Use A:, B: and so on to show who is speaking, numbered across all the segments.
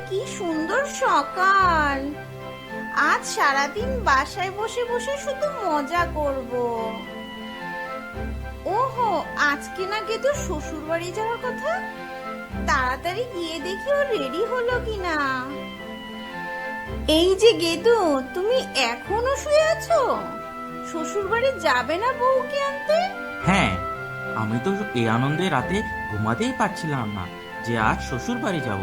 A: কি সুন্দর সকাল। আজ সারাদিন বাসায় বসে বসে শুধু মজা করব। ওহো, আজকে না গেদু শ্বশুর বাড়ি যাওয়ার কথা। তাড়াতাড়ি গিয়ে দেখি ও রেডি হলো কিনা। এই যে গেদু, তুমি এখনো শুয়ে আছো? শ্বশুর বাড়ি যাবে না বউকে আনতে?
B: হ্যাঁ, আমি তো এই আনন্দে রাতে ঘুমাতেই পারছিলাম না যে আজ শ্বশুর বাড়ি যাব।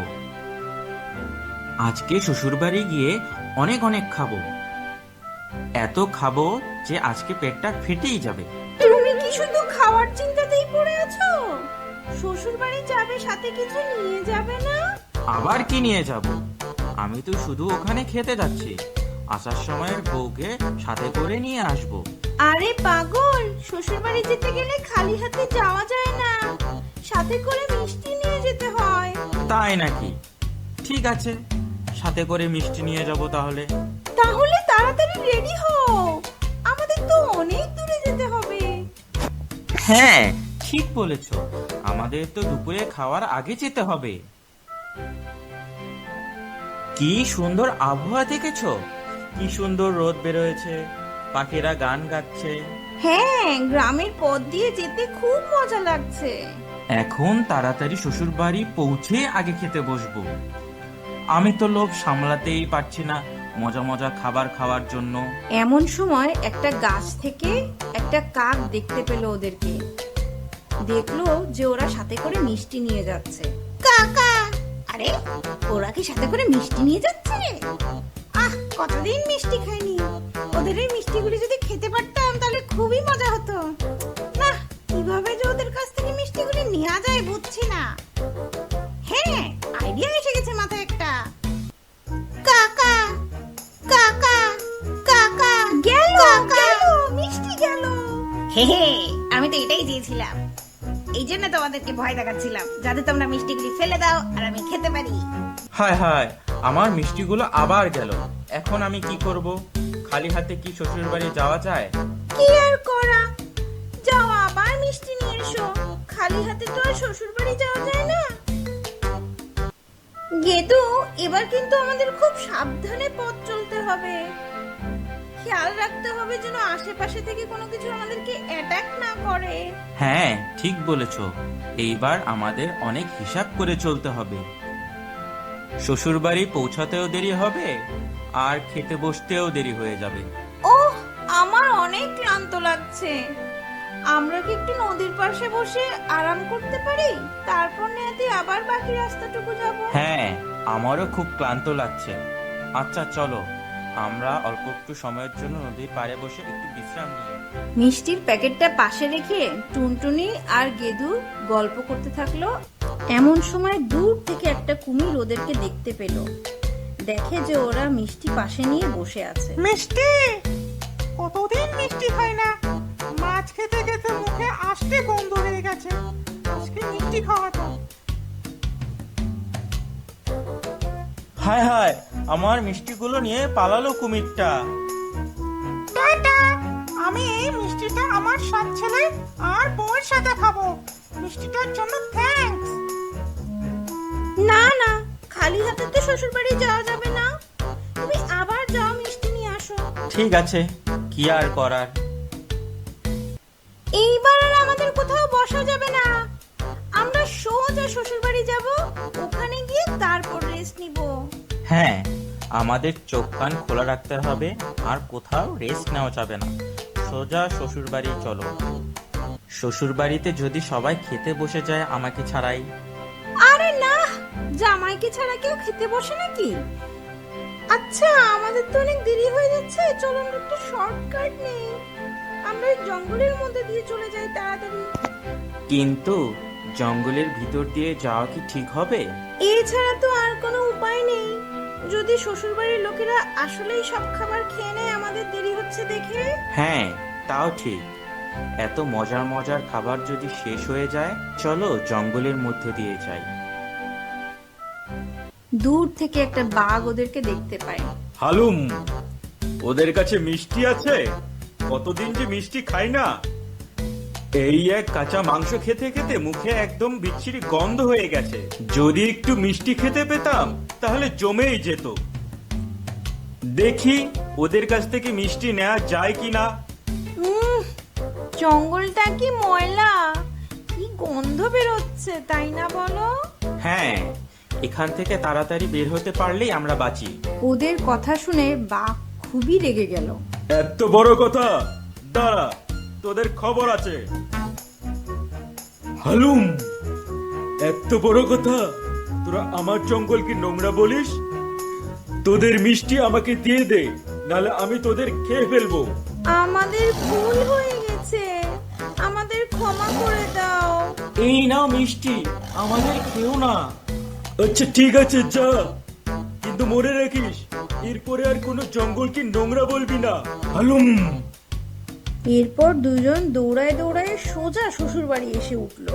B: আজকে শ্বশুর বাড়ি গিয়ে অনেক অনেক খাবো, এত খাবো যে আজকে পেটটা ফেটেই যাবে।
A: তুমি কি শুধু খাওয়ার চিন্তাতেই পড়ে আছো? শ্বশুর বাড়ি যাবে, সাথে কিছু নিয়ে যাবে না?
B: আবার কি নিয়ে যাব? আমি তো শুধু ওখানে খেতে যাচ্ছি, আসার সময় বউকে সাথে করে নিয়ে আসবো।
A: আরে পাগল, শ্বশুর বাড়ি যেতে গেলে খালি হাতে যাওয়া যায় না, সাথে করে মিষ্টি নিয়ে যেতে হয়।
B: তাই নাকি? ঠিক আছে, সাথে করে মিষ্টি নিয়ে যাব তাহলে।
A: তাহলে তাড়াতাড়ি রেডি হও, আমাদের তো অনেক দূরে যেতে হবে।
B: হ্যাঁ, ঠিক বলেছ, আমাদের তো দুপুরে খাওয়ার আগে যেতে হবে। কি সুন্দর আবহাওয়া দেখেছো? কি সুন্দর রোদ বেরোয়েছে, পাখিরা গান গাচ্ছে।
A: হ্যাঁ, গ্রামের পথ দিয়ে যেতে খুব মজা লাগছে।
B: এখন তাড়াতাড়ি শ্বশুর বাড়ি পৌঁছে আগে খেতে বসবো। আমি তো লোভ সামলাতেই পারছি না মজা মজা খাবার খাওয়ার জন্য।
A: এমন সময় একটা গাছ থেকে একটা কাক দেখতে পেল ওদেরকে। দেখলো যে ওরা সাথে করে মিষ্টি নিয়ে যাচ্ছে। কাকা, আরে ওরা কি সাথে করে মিষ্টি নিয়ে যাচ্ছে? আহ, কতদিন মিষ্টি খাইনি। ওদের এই মিষ্টিগুলি যদি খেতে পারতাম তাহলে খুবই মজা হতো। না, কিভাবে যে ওদের কাছ থেকে মিষ্টিগুলি নেওয়া যায় বুঝছি না। হ্যাঁ, আইডিয়া এসে গেছে মাথায় একটা। কাকা, কাকা, কাকা, গেল গেল, মিষ্টি গেল। হে হে, আমি তো এটাই চেয়েছিলাম। এই জন্য তোমাদেরকে ভয় দেখাচ্ছিলাম, যাতে তোমরা মিষ্টিগুলি ফেলে দাও আর আমি খেতে পারি।
B: হায় হায়, আমার মিষ্টিগুলো আবার গেল। এখন আমি কি করব? খালি হাতে কি শ্বশুর বাড়ি যাওয়া যায়?
A: কি আর করা, যাও আবার মিষ্টি নিয়ে এসো। খালি হাতে তো আর শ্বশুর বাড়ি যাওয়া যায় না। গেদু, এবার কিন্তু আমাদের খুব সাবধানে পথ চলতে হবে। খেয়াল রাখতে হবে যেন আশেপাশে থেকে কোনো কিছু আমাদেরকে অ্যাটাক না করে।
B: হ্যাঁ, ঠিক বলেছ, এইবার আমাদের অনেক হিসাব করে চলতে হবে। শ্বশুর বাড়ি পৌঁছাতেও দেরি হবে আর খেতে বসতেও দেরি হয়ে যাবে।
A: ওহ, আমার অনেক ক্লান্ত লাগছে। আমরা কি একটু নদীর পাশে বসে আরাম করতে পারি? তারপর নেহাতি আবার বাকি রাস্তাটুকু যাব।
B: হ্যাঁ, আমারও খুব ক্লান্ত লাগছে। আচ্ছা চলো, আমরা অল্প একটু সময়ের জন্য নদীর পাড়ে বসে একটু বিশ্রাম নিই।
A: মিষ্টির প্যাকেটটা পাশে রেখে টুনটুনি আর গেদু গল্প করতে থাকলো। এমন সময় দূর থেকে একটা কুমির ওদেরকে দেখতে পেল। দেখে যে ওরা মিষ্টি পাশে নিয়ে বসে আছে।
C: মিষ্টি, কতদিন মিষ্টি খাই না। মাছ খেতে খেতে মুখে আষ্টে গন্ধ হয়ে গেছে। আজকে মিষ্টি খাওয়া তো।
B: হায় হায়, আমার মিষ্টিগুলো নিয়ে পালালো কুমিরটা।
C: টাটা, আমি এই মিষ্টিটা আমার সব ছেলে আর বউয়ের সাথে খাবো। মিষ্টিটার জন্য থ্যাঙ্কস।
A: না না, খালি হাতে তো শ্বশুর বাড়ি যাওয়া যাবে না। তুমি আবার যাও, মিষ্টি নিয়ে আসো।
B: ঠিক আছে, কি আর করার।
A: এইবার আর আমাদের কোথাও বসা যাবে না। আমরা সোজা শ্বশুর বাড়ি যাব, ওখানে গিয়ে তারপর রেস্ট নিব।
B: হ্যাঁ, আমাদের চোখ কান খোলা রাখতে হবে আর কোথাও রেস্ট নেওয়া যাবে না। সোজা শ্বশুর বাড়ি চলো। শ্বশুর বাড়িতে যদি সবাই খেতে বসে যায় আমাকে ছাড়াই।
A: আরে না, জামাইকে ছাড়া কেউ খেতে বসে নাকি? আচ্ছা, আমাদের তো অনেক দেরি হয়ে যাচ্ছে, চলো আমরা একটা শর্টকাট নেই। আমরা এই জঙ্গলের মধ্যে দিয়ে চলে যাই তাড়াতাড়ি।
B: কিন্তু জঙ্গলের ভিতর দিয়ে যাওয়া কি ঠিক হবে?
A: এছাড়া তো আর কোনো উপায় নেই। যদি শ্বশুরবাড়ির লোকেরা আসলেই সব খাবার খেয়ে নেয় আমাদের দেরি হচ্ছে দেখে।
B: হ্যাঁ, তাও ঠিক। এত মজার মজার খাবার যদি শেষ হয়ে যায়, চলো জঙ্গলের মধ্যে দিয়ে যাই।
A: দূর থেকে একটা বাঘ ওদেরকে দেখতে পায়।
D: হালুম, ওদের কাছে মিষ্টি আছে? কতদিন যে মিষ্টি খাই না। এই এক কাঁচা মাংস খেতে খেতে মুখে একদম বিচ্ছিরি গন্ধ হয়ে গেছে। যদি একটু মিষ্টি খেতে পেতাম তাহলে জমেই যেত। দেখি ওদের কাছ থেকে মিষ্টি নেওয়া যায় কিনা।
A: জঙ্গলটা কি ময়লা, কি গন্ধ বেরোচ্ছে তাই না বলো?
B: হ্যাঁ, এখান থেকে তাড়াতাড়ি বের হতে পারলেই আমরা বাঁচি।
A: ওদের কথা শুনে বাঘ খুবই রেগে গেল।
D: এত বড় কথা, দাঁড়া, তোদের খবর আছে। হালুম, এত বড় কথা, তোরা আমার জঙ্গলকে নোংরা বলিস? তোদের মিষ্টি আমাকে দিয়ে দে, নাহলে আমি তোদের খেয়ে ফেলবো।
A: আমাদের ভুল হয়ে গেছে, আমাদের ক্ষমা করে দাও।
B: এই নাও মিষ্টি, আমাদের খেও না।
D: আচ্ছা ঠিক আছে, যা, কিন্তু মনে রাখিস এরপরে আর কোনো জঙ্গলকে নোংরা বলবি না। হালুম।
A: এরপর দুজন দৌড়ায় দৌড়ায় সোজা শ্বশুর বাড়ি এসে উঠল।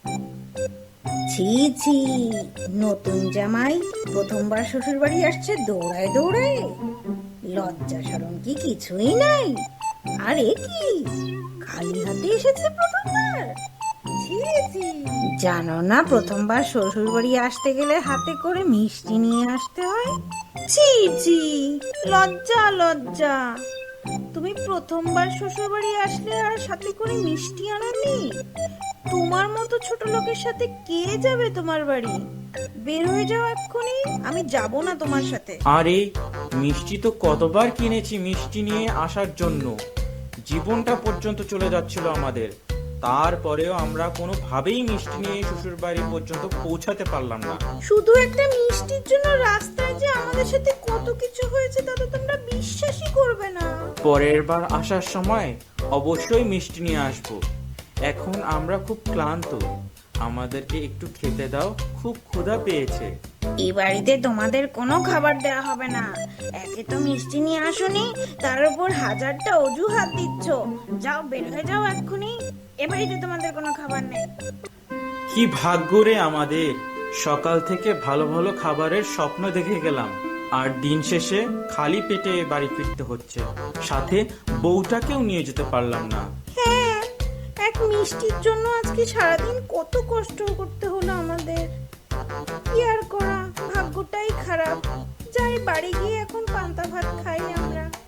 A: ছি ছি, নতুন জামাই প্রথমবার শ্বশুর বাড়ি আসছে দৌড়ায় দৌড়ায়, লজ্জা শরম কি কিছুই নাই। আরে কি খালি হাতে এসেছে প্রথমবার? ছি ছি, জানো না প্রথমবার শ্বশুর বাড়ি আসতে গেলে হাতে করে মিষ্টি নিয়ে আসতে হয়? ছি ছি, লজ্জা লজ্জা। তুমি প্রথমবার শ্বশুর বাড়ি আসলে আর সাথে করে মিষ্টি আনোনি? তোমার মতো ছোট লোকের সাথে কে যাবে তোমার বাড়ি? বের হয়ে যাও এক্ষুনি, আমি যাব না তোমার সাথে।
B: আরে মিষ্টি তো কতবার কিনেছি মিষ্টি নিয়ে আসার জন্য, জীবনটা পর্যন্ত চলে যাচ্ছিল আমাদের, তারপরেও আমরা কোনোভাবেই মিষ্টি নিয়ে শ্বশুর বাড়ি পর্যন্ত পৌঁছাতে পারলাম না।
A: শুধু একটা মিষ্টির জন্য রাস্তায় যে আমাদের সাথে কত কিছু হয়েছে তা তো তোমরা বিশ্বাসই করবে না।
B: পরের বার আসার সময় অবশ্যই মিষ্টি নিয়ে আসবো। এখন আমরা খুব ক্লান্ত, আমাদেরকে একটু খেতে দাও, খুব ক্ষুধা পেয়েছে।
A: এই বাড়িতে তোমাদের কোনো খাবার দেওয়া হবে না। একে তো মিষ্টি নিয়ে আসোনি, তার উপর হাজারটা অজুহাত দিচ্ছ। যাও, বের হয়ে যাও এক্ষুনি, এ বাড়িতে তোমাদের কোনো খাবার নেই।
B: কি ভাগ্য রে আমাদের, সকাল থেকে ভালো ভালো খাবারের স্বপ্ন দেখে গেলাম, আর দিন শেষে খালি পেটে বাড়ি ফিরতে হচ্ছে, সাথে বউটাকেও নিয়ে যেতে পারলাম না।
A: হ্যাঁ, এক মিষ্টির জন্য আজকে সারাদিন কত কষ্ট করতে হলো আমাদের। কি আর করা, ভাগ্যটাই খারাপ। যাই, বাড়ি গিয়ে এখন পান্তা ভাত খাই আমরা।